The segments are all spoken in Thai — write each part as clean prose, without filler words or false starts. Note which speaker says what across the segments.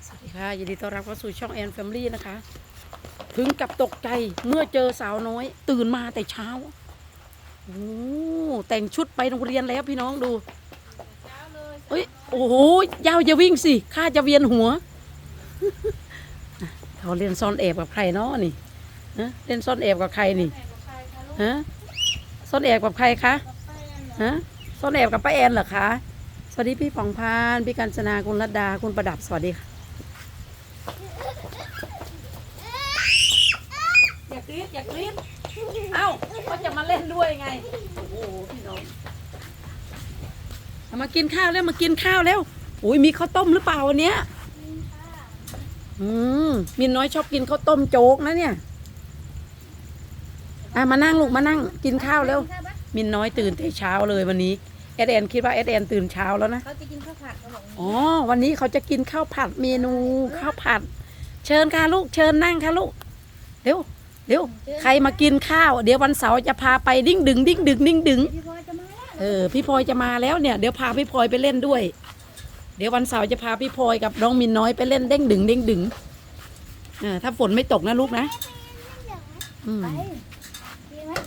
Speaker 1: สวัสดีค่ะยินดีต้อนรับเข้าสู่ช่องแอนแฟมิลี่นะคะถึงกับตกใจเมื่อเจอสาวน้อยตื่นมาแต่เช้าโอ้แต่งชุดไปโรงเรียนแล้วพี่น้องดูเอ้ยโอ้โหยาวจะวิ่งสิข้าจะเวียนหัวเขาเล่นซ่อนแอบกับใครเนาะนี่ฮะเล่นซ่อนแอบกับใครนี่ฮะซ่อนแอบกับใครคะฮะซ่อนแอบกับป้าแอนเหรอคะสวัสดีพี่ผ่องพานพี่กัญจนาคุณรัตดาคุณประดับสวัสดีค่ะอย่ากรี๊ดอย่ากรี๊ดเอ้าก็จะมาเล่นด้วยไงโอ้โหพี่น้องมากินข้าวแล้วมากินข้าวแล้วอุ้ยมีข้าวต้มหรือเปล่าวันเนี้ยมินน้อยชอบกินข้าวต้มโจ๊กนะเนี่ยมานั่งลูกมานั่งกินข้าวแล้วมินน้อยตื่นแต่เช้าเลยวันนี้เอสแอนคิดว่าเอสแอนตื่นเช้าแล้วนะ
Speaker 2: เขาจะกินข้าวผัดเขาบอก
Speaker 1: อ๋อวันนี้เขาจะกินข้าวผัดเมนูข้าวผัดเชิญค่ะลูกเชิญนั่งค่ะลูกเร็วเร็วใครมากินข้าวเดี๋ยววันเสาร์จะพาไปดิ้งดึงดิ้งดึงดิ้งดึง
Speaker 2: พี่พลอยจะมาแล้ว
Speaker 1: พี่พลอยจะมาแล้วเนี่ยเดี๋ยวพาพี่พลอยไปเล่นด้วยเดี๋ยววันเสาร์จะพาพี่พลอยกับน้องมินน้อยไปเล่นเด้งดึงเด้งดึงถ้าฝนไม่ตกนะลูกนะ
Speaker 2: ไปดีไหม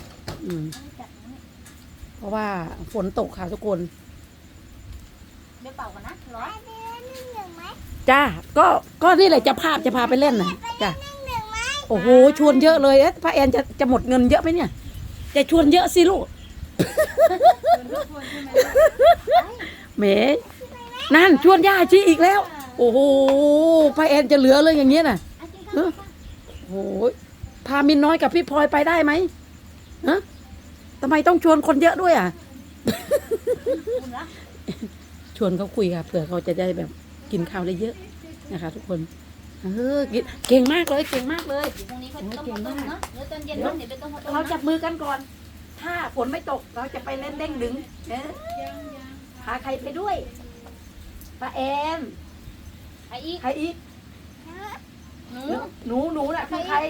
Speaker 1: เพราะว่าฝนตกค่ะทุกคน
Speaker 2: เดี๋ยวเป่ากันนะร้อย
Speaker 1: จ้าก็นี่แหละจะพาไปเล่นนะจ้าโอ้โหชวนเยอะเลยพระแอนจะหมดเงินเยอะไหมเนี่ยจะชวนเยอะสิลูกเมย์นั่นชวนย่าชีอีกแล้วโอ้โหพระแอนจะเหลือเลยอย่างเงี้ยน่ะโอ้โหพามินน้อยกับพี่พลอยไปได้ไหมฮะทำไมต้องชวนคนเยอะด้วยอ่ะชวนเขาคุยค่ะเผื่อเขาจะได้แบบกินข้าวได้เยอะนะคะทุกคนเก่งมากเลยเก่งมากเลย
Speaker 2: พรุ่งนี้เขาต้มข้าวต้มเนาะเดี๋ยวตอนเย็นเดี๋ยวไปต้มข้าวต้ม
Speaker 1: เราจับมือกันก่อนถ้าฝนไม่ตกเราจะไปเล่นเด้งดึงพาใครไปด้วยป้าแอน
Speaker 2: ใครอีก
Speaker 1: หนูน่ะคือใคร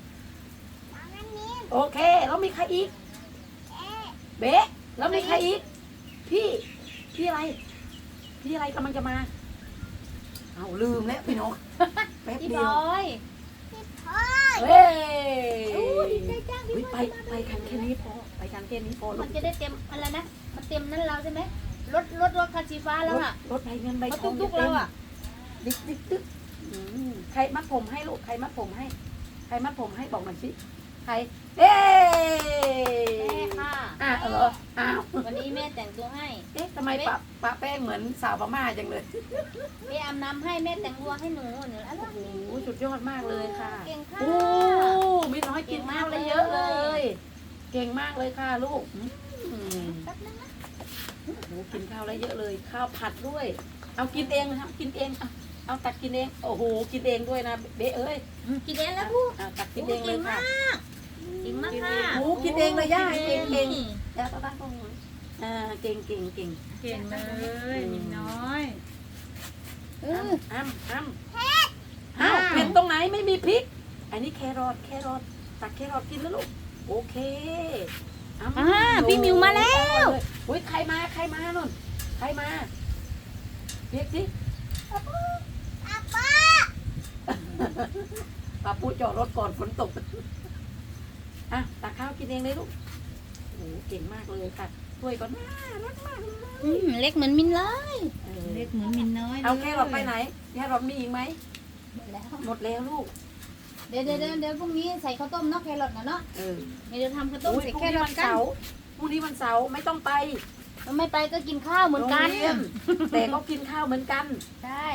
Speaker 1: โอเคแล้วมีใครอีกเบ๊ะแล้วมีใครอีกพี่อะไรกำลังจะมาเอาลืมแล้วพี่น้องแป๊บเดียวเฮ้ย
Speaker 2: ดีใจจังพี่พลอย
Speaker 1: ไปกันแค่นี้พอไปกันแค่นี้พอ
Speaker 2: มันจะได้เต็มอะไรนะมันเต็มนั่นเราใช่ไหมรถคันสีฟ้าแล้วอ่ะ
Speaker 1: รถใบเงินใบทอง
Speaker 2: ตุ๊กเราอ่ะ
Speaker 1: ดิ๊กใครมัดผมให้ลูกใครมัดผมให้บอกหน่อยสิใคร
Speaker 2: แม่ค่ะ
Speaker 1: อ้าว
Speaker 2: วันนี้แม่แต่งตัวให้
Speaker 1: ทำไมปะแป้งเหมือนสาวพม่าจังเลย
Speaker 2: แม่อาบน้ำให้แม่แต่งตัวให้หนู
Speaker 1: โอ้โหสุดยอดมากเลยค่ะ
Speaker 2: เก่งค่ะ
Speaker 1: โอ้มีน้อยกินข้าวเลยเยอะเลยเก่งมากเลยค่ะลูกโอ้โหกินข้าวได้เยอะเลยข้าวผัดด้วยเอากินเองนะครับกินเองเอาตักกินเองโอ้โหกินเองด้วยนะเบ๊เอ้ย
Speaker 2: กินเองแล้วพูด
Speaker 1: ตักกินเองเลยค่ะ
Speaker 2: กินมากค่ะ
Speaker 1: โอ้กินเองเลยย่าเก่งแล้วก็ตั้งตรงนี้เก่ง
Speaker 3: เลยมินน้อย
Speaker 1: อ้ำเผ็ดตรงไหนไม่มีพริกอันนี้แครอทตักแครอทกินแล้วลูกโอเค
Speaker 2: พี่มิวมาแล้ว
Speaker 1: อุ้ยใครมานุ่นใครมาเรียกสิป้าปูจอดรถก่อนฝนตกตักข้าวกินเองเลยลูกโอ้เก่งมากเลยค่ะถ้วยก็น่ารักมาก
Speaker 2: เล็กเหมือนมินเลย
Speaker 3: เล็กเหมือนมินน้อย
Speaker 1: เอาแค่เราไปไหนแค่เรามีอีกไหมหมดแล้วลูก
Speaker 2: เดี๋ยวพรุ่งนี้ใส่ข้าวต้มเนาะแครอทนะเนาะเดี๋ยวทำข้าวต้มใส่แครอทกัน
Speaker 1: พรุ่งนี้วันเสาร์ไม่ต้องไป
Speaker 2: ไม่ไปก็กินข้าวเหมือนกัน
Speaker 1: แต่ก็กินข้าวเหมือนกัน
Speaker 2: ใช่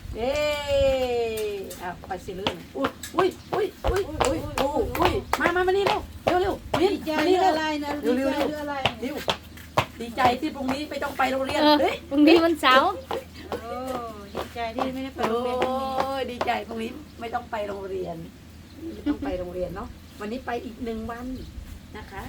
Speaker 1: ไปสิลื่นอุ้ยมานี่เร็ว
Speaker 3: ดีใจอะไรนะดีใจอะไร
Speaker 1: ดีใจที่พรุ่งนี้ไม่ต้องไปโรงเรียน
Speaker 2: พรุ่งนี้วันเสาร์
Speaker 3: ดีใจที่ไม่ได้ไปโรงเรียน
Speaker 1: ดีใจพรุ่งนี้ไม่ต้องไปโรงเรียนเนาะวันนี้ไปอีก1 วันนะคะ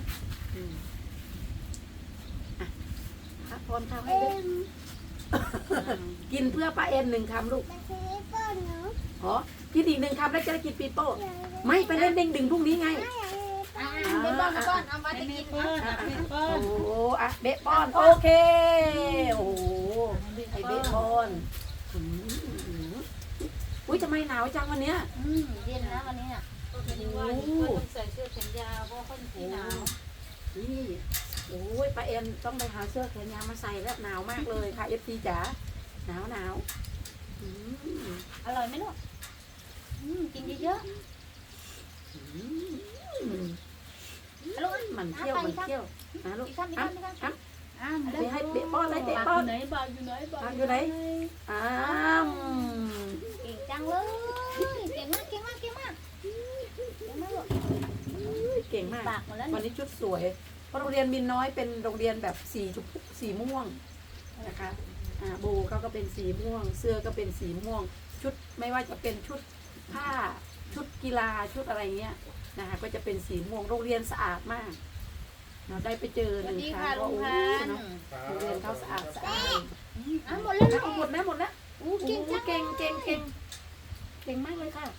Speaker 1: พักผ่อนข้าวให้ด้วยกินเพื่อป้าเอ็น1 คำลูกกินอีก1 คำแล้วจะได้กินปีโป้ไม่ไปเล่นเด้งดึงพรุ่งนี้ไง
Speaker 2: เบป้อนเอามาจะกิน
Speaker 1: โอ้เบป้อนโอเคโอ้ไอเบป้อนอุ้ยทำไมหนาวจังวันเนี้ย
Speaker 2: เย็นนะวันนี้น่ะ
Speaker 3: ว่าต้องใส่เสื้อแขนยาวเพราะคนที่หนาว
Speaker 1: นี่โอ้ยป้าเอ็นต้องไปหาเสื้อแขนยาวมาใส่แล้วหนาวมากเลยค่ะ FC จ๋าหนาวอืม
Speaker 2: อร่อยไหมลูกกินเยอะ
Speaker 1: อืม
Speaker 2: ๆลูก
Speaker 1: มันเที่ยวนะลูก
Speaker 2: อีกคำอีกคำอีกคำ
Speaker 1: เตะให้เตะป้อนเลยเตะป้อน
Speaker 3: ไหนบาอยู่ไหนบา
Speaker 1: ทางอยู่ไหนอ้าม
Speaker 2: เก่งจังเลยเก่งมากเก่งมากเก่งมากเก่งมากลูก
Speaker 1: เก่งมาก
Speaker 2: ปากหมดแล้ว
Speaker 1: วันนี้ชุดสวยเพราะโรงเรียนมินน้อยเป็นโรงเรียนแบบสีม่วงนะคะโบเขาก็เป็นสีม่วง เสื้อก็เป็นสีม่วง ชุดไม่ว่าจะเป็นชุดผ้าชุดกีฬาชุดอะไรเงี้ยนะคะก็จะเป็นสีม่วงโรงเรียนสะอาดมากเราได้ไปเจอ
Speaker 2: ส
Speaker 1: ห
Speaker 2: วัส
Speaker 1: นึ่ง
Speaker 2: ดี
Speaker 1: ครั้
Speaker 2: ค่ะ
Speaker 1: ง
Speaker 2: ลุ
Speaker 1: ว่าง โอ้
Speaker 2: พัน
Speaker 1: เนาะโรงเรียนเขาสะอาด
Speaker 2: หมดแล้วลูก
Speaker 1: หมดแล้วหมดแล้ว
Speaker 2: เก่งจัง
Speaker 1: เก่งมากเลยค่ะ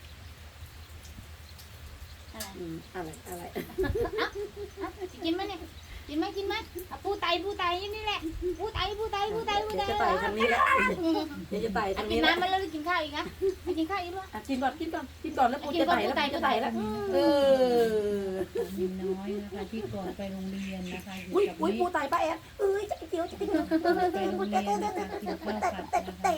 Speaker 1: อะไร
Speaker 2: กินไหมเนี่ยกินไหมปูไตนี่แหละปูไต
Speaker 1: เดี๋ยวจะไต่ทางนี้แล้วเดี๋ยวจะไต่ทาง
Speaker 2: กิ
Speaker 1: นี้
Speaker 2: น
Speaker 1: แล้ว
Speaker 2: น้ำมาแล้วกินข้าวอีกนะกินข้าวอีกด้วย
Speaker 1: กินก่อนแล้วปูจะไต่แล้วปูจะไต่แล้ว
Speaker 3: มินน้อยนะคะที่ก่อนไปโรงเรียนนะคะอยู่
Speaker 1: อุ้ย
Speaker 3: กับ
Speaker 1: อุ้ย
Speaker 3: นี่
Speaker 1: ปูไต่ป้าแอนเอ้ยจะไปเกี่ยว
Speaker 3: ไปโรงเรียนนะคะกินข้าวผัดนะคะ
Speaker 4: ไอ้ปุตไต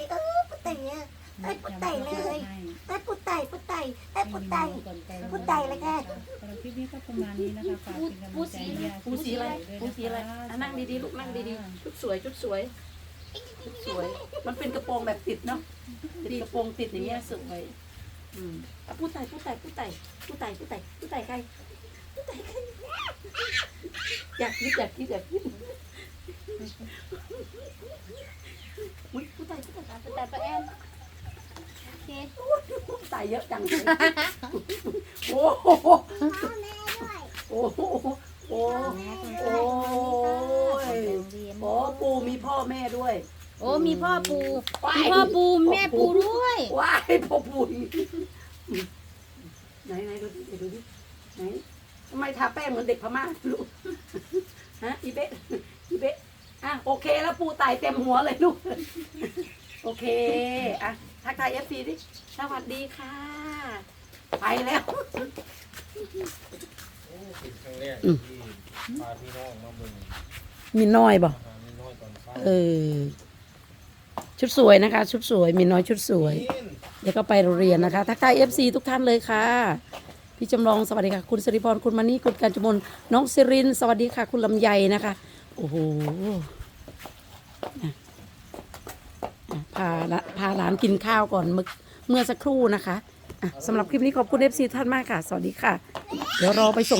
Speaker 4: เลยไอ้ปุตไตไอ้ปุตไต พูดไตเลยค่ะ
Speaker 3: สำหรับคลิปนี้ก็ประมาณนี้นะคะฝากเป็นกำลังใจให้ยา
Speaker 1: ปูสีอะไรนั่งดีๆลูกนั่งดีๆชุดสวยมันเป็นกระโปรงแบบติดเนาะติดกระโปรงติดอย่างเงี้ยสวยปูไต่ใครอยากคิดอุ้ยปูไต่
Speaker 2: แต่ป้าแอนโอเค
Speaker 1: ตายเยอะจังเลยโอ้โหโอ้โหโอ้ยโอ้ปูมีพ่อแม่ด้วย
Speaker 2: โอ้มีพ่อปูแม่ปูด้วย
Speaker 1: ว้ายพ่อปูไหนดูดิไหนทำไมทาแป้งเหมือนเด็กพม่าลูกฮะอีเบะอ่ะโอเคแล้วปูไต่เต็มหัวเลยลูกโอเคอ่ะทักทายFCดิสวัสดีค่ะไปแล้ว
Speaker 5: เป็นครั้งแรกที่พาพี่น้องมาเบิ่ง
Speaker 1: มีน้อยบ่
Speaker 5: อาหารน้อยตอนเช้า
Speaker 1: ชุดสวยนะคะ ชุดสวยมีน้อยชุดสวย
Speaker 5: กิน
Speaker 1: เดี๋ยวก็ไปโรงเรียนนะคะทักทาย FC ทุกท่านเลยค่ะพี่จำลองสวัสดีค่ะคุณสิริพรคุณมานี่คุณกาญจมนน้องสิรินสวัสดีค่ะคุณลำไยนะคะโอ้โหพาหลานกินข้าวก่อนเมื่อสักครู่นะคะสำหรับคลิปนี้ขอบคุณ FC ท่านมากค่ะสวัสดีค่ะเดี๋ยวรอไปส่ง